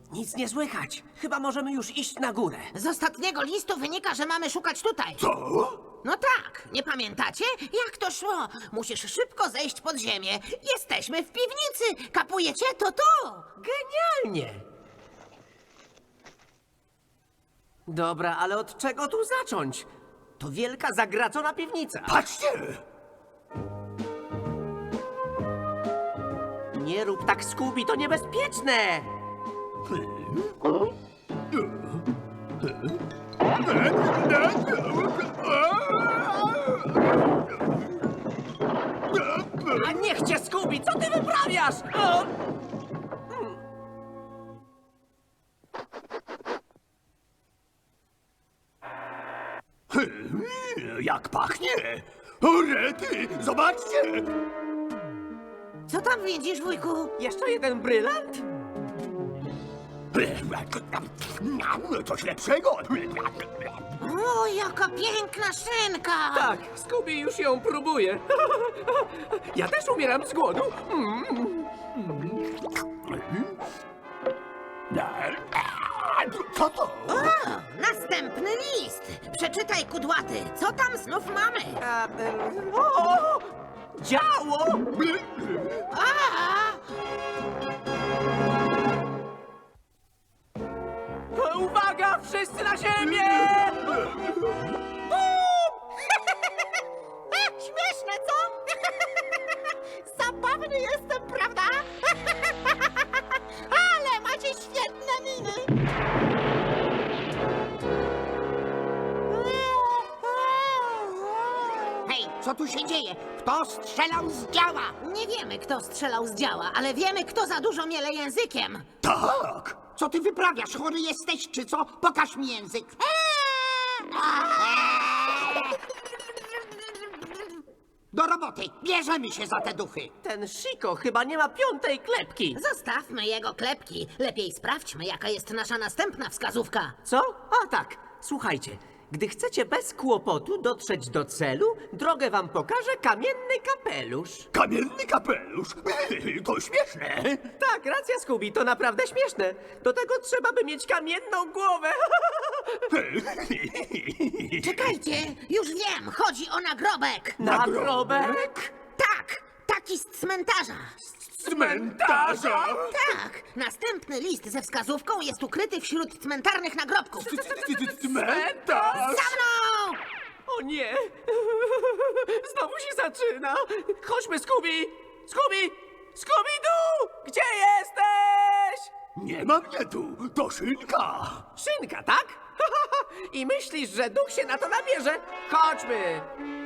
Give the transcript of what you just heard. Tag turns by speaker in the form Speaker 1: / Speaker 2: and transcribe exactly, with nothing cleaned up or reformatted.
Speaker 1: Nic nie słychać. Chyba możemy już iść na górę.
Speaker 2: Z ostatniego listu wynika, że mamy szukać tutaj.
Speaker 3: Co?
Speaker 2: No tak, nie pamiętacie? Jak to szło? Musisz szybko zejść pod ziemię. Jesteśmy w piwnicy. Kapujecie? To to.
Speaker 1: Genialnie! Dobra, ale od czego tu zacząć? To wielka, zagracona piwnica.
Speaker 3: Patrzcie!
Speaker 1: Nie rób tak, Scooby, to niebezpieczne! A niech cię, Scooby, co ty wyprawiasz? O!
Speaker 3: Hmm, jak pachnie! O rety, zobaczcie!
Speaker 2: Co tam widzisz, wujku?
Speaker 1: Jeszcze jeden brylant?
Speaker 3: Coś lepszego!
Speaker 2: O, jaka piękna szynka!
Speaker 1: Tak, Scooby już ją próbuje. Ja też umieram z głodu. Mm.
Speaker 3: Co to?
Speaker 2: O, następny list. Przeczytaj, kudłaty. Co tam znów mamy?
Speaker 1: A, em, o! Działo!
Speaker 2: A!
Speaker 1: Uwaga, wszyscy na ziemię!
Speaker 2: Śmieszne, co? Zabawny jestem, prawda? Ale macie świetne miny. Hej, co tu się dzieje? Kto strzelał z działa? Nie wiemy, kto strzelał z działa, ale wiemy, kto za dużo miele językiem.
Speaker 3: Tak!
Speaker 4: Co ty wyprawiasz? Chory jesteś, czy co? Pokaż mi język. Do roboty. Bierzemy się za te duchy.
Speaker 1: Ten Chico chyba nie ma piątej klepki.
Speaker 2: Zostawmy jego klepki. Lepiej sprawdźmy, jaka jest nasza następna wskazówka.
Speaker 1: Co? A tak, słuchajcie. Gdy chcecie bez kłopotu dotrzeć do celu, drogę wam pokaże kamienny kapelusz.
Speaker 3: Kamienny kapelusz! To śmieszne!
Speaker 1: Tak, racja, Scooby, to naprawdę śmieszne. Do tego trzeba by mieć kamienną głowę.
Speaker 2: Czekajcie, już wiem, chodzi o nagrobek.
Speaker 1: Nagrobek?
Speaker 2: Tak, taki z cmentarza.
Speaker 3: Cmentarza!
Speaker 2: Tak, następny list ze wskazówką jest ukryty wśród cmentarnych nagrobków.
Speaker 3: Cmentarz!
Speaker 2: Za mną!
Speaker 1: O nie! Znowu się zaczyna! Chodźmy, Scooby! Scooby! Scooby-Doo! Gdzie jesteś?
Speaker 3: Nie ma mnie tu! To szynka!
Speaker 1: Szynka, tak? I myślisz, że duch się na to nabierze? Chodźmy!